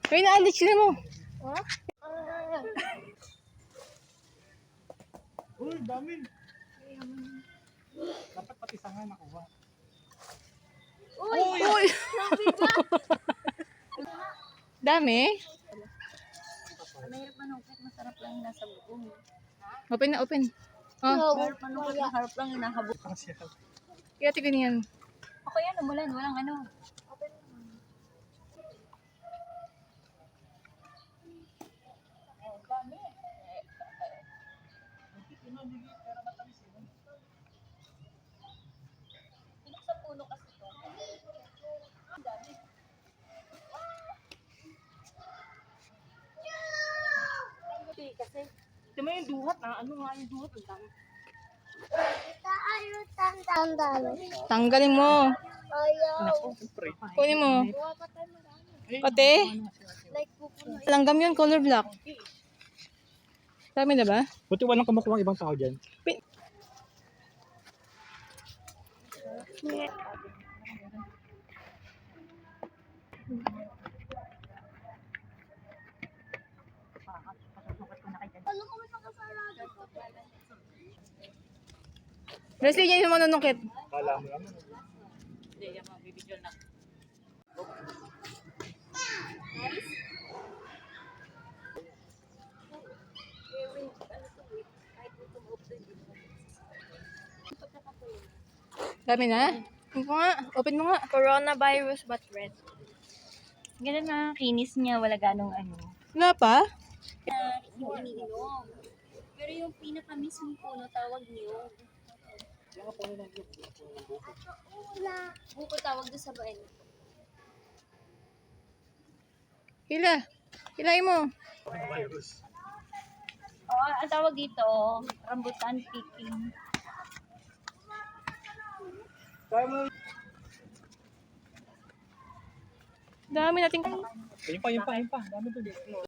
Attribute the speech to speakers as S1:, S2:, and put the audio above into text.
S1: May naalit sila mo.
S2: Uy, dami. Dapat pati sanga nakuha.
S1: Uy! Dami?
S3: Mahirap manungkit, masarap lang yung nasa buong.
S1: Open na, open. Oh,
S3: Mahirap manungkit, masarap lang yung nakabuo.
S1: kaya tignan yan.
S3: Ako yan, umulan, walang ano. Sa puno kasi to. Ang dami. Kasi
S2: Ito mo yung duhat na. Ano nga yung duhat? Ang dami.
S1: Tanggalin mo.
S2: Naku, pre.
S1: Kunin mo. Pati? Langgam yun, color black. Dami na ba?
S2: Buti walang kumukuha ibang tao dyan.
S1: Leslie, yan yung manunungkit.
S2: Kala mo naman.
S3: hindi, yung mga bibidyo na.
S1: Dami na? Open mo nga. Open mo nga.
S3: Coronavirus but red. Ganun na, kinis niya, wala ganong ano.
S1: Wala pa?
S3: Yung iniinom. Pero yung pinaka-mismong puno, tawag niyo. Buko tawag doon sa bayan.
S1: Hila. Hilahin mo.
S3: Oo, ang tawag dito, rambutan picking.
S1: Dami nating...
S2: Ayun pa. Dami doon.